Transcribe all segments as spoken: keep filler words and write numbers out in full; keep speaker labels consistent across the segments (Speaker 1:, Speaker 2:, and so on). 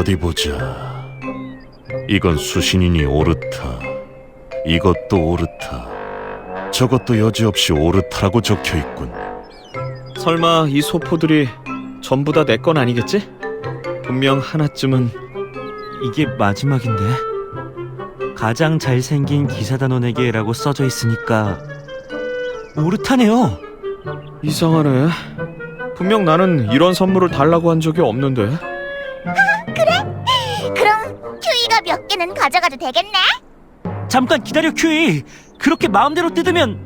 Speaker 1: 어디 보자. 이건 수신인이 오르타, 이것도 오르타, 저것도 여지없이 오르타라고 적혀있군.
Speaker 2: 설마 이 소포들이 전부 다 내 건 아니겠지? 분명 하나쯤은.
Speaker 3: 이게 마지막인데? 가장 잘생긴 기사단원에게라고 써져 있으니까 오르타네요.
Speaker 2: 이상하네. 분명 나는 이런 선물을 달라고 한 적이 없는데.
Speaker 4: 그럼 큐이가 몇 개는 가져가도 되겠네?
Speaker 3: 잠깐 기다려, 큐이. 그렇게 마음대로 뜯으면.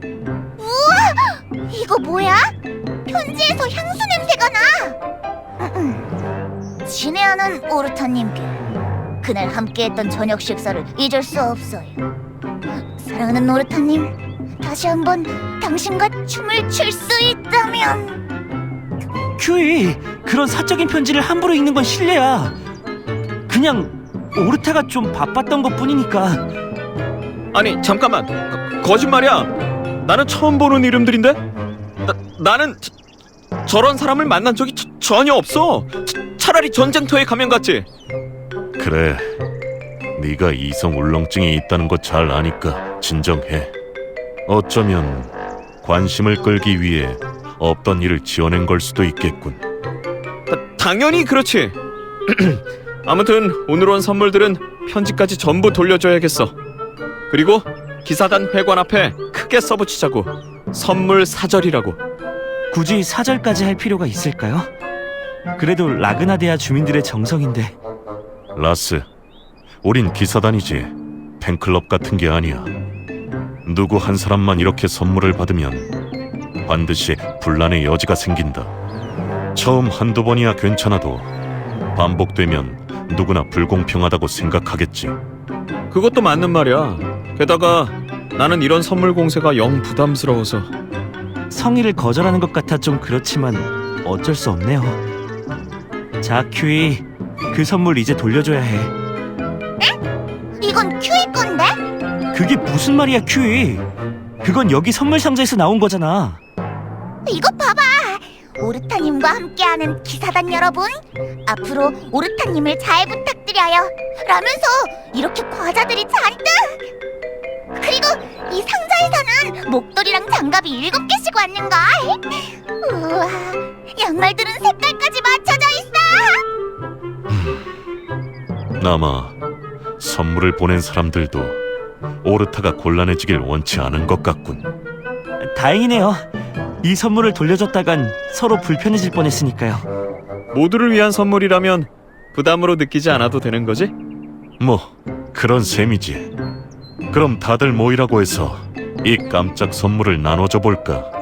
Speaker 4: 이거 뭐야? 편지에서 향수 냄새가 나. 음, 음. 친애하는 오르타님께 그날 함께했던 저녁 식사를 잊을 수 없어요. 사랑하는 오르타님, 다시 한번 당신과 춤을 출 수 있다면.
Speaker 3: 큐이, 그런 사적인 편지를 함부로 읽는 건 실례야. 그냥 오르타가 좀 바빴던 것뿐이니까.
Speaker 2: 아니 잠깐만, 거, 거짓말이야. 나는 처음 보는 이름들인데? 나, 나는 저, 저런 사람을 만난 적이 저, 전혀 없어. 차, 차라리 전쟁터에 가면 갔지.
Speaker 1: 그래, 네가 이성 울렁증이 있다는 거 잘 아니까 진정해. 어쩌면 관심을 끌기 위해 없던 일을 지어낸 걸 수도 있겠군.
Speaker 2: 다, 당연히 그렇지. 아무튼 오늘 온 선물들은 편지까지 전부 돌려줘야겠어. 그리고 기사단 회관 앞에 크게 써붙이자고. 선물 사절이라고.
Speaker 3: 굳이 사절까지 할 필요가 있을까요? 그래도 라그나데아 주민들의 정성인데.
Speaker 1: 라스, 우린 기사단이지 팬클럽 같은 게 아니야. 누구 한 사람만 이렇게 선물을 받으면 반드시 분란의 여지가 생긴다. 처음 한두 번이야 괜찮아도 반복되면 누구나 불공평하다고 생각하겠지.
Speaker 2: 그것도 맞는 말이야. 게다가 나는 이런 선물 공세가 영 부담스러워서.
Speaker 3: 성의를 거절하는 것 같아 좀 그렇지만 어쩔 수 없네요. 자, 큐이, 그 선물 이제 돌려줘야 해.
Speaker 4: 이건 큐이 건데?
Speaker 3: 그게 무슨 말이야, 큐이? 그건 여기 선물 상자에서 나온 거잖아.
Speaker 4: 이것 봐봐. 오르타님과 함께하는 기사단 여러분, 앞으로 오르타님을 잘 부탁드려요 라면서 이렇게 과자들이 잔뜩. 그리고 이 상자에서는 목도리랑 장갑이 일곱 개씩 왔는걸. 우와, 양말들은 색깔까지 맞춰져 있어.
Speaker 1: 아마 선물을 보낸 사람들도 오르타가 곤란해지길 원치 않은 것 같군.
Speaker 3: 다행이네요. 이 선물을 돌려줬다간 서로 불편해질 뻔했으니까요.
Speaker 2: 모두를 위한 선물이라면 부담으로 느끼지 않아도 되는 거지?
Speaker 1: 뭐 그런 셈이지. 그럼 다들 모이라고 해서 이 깜짝 선물을 나눠줘 볼까?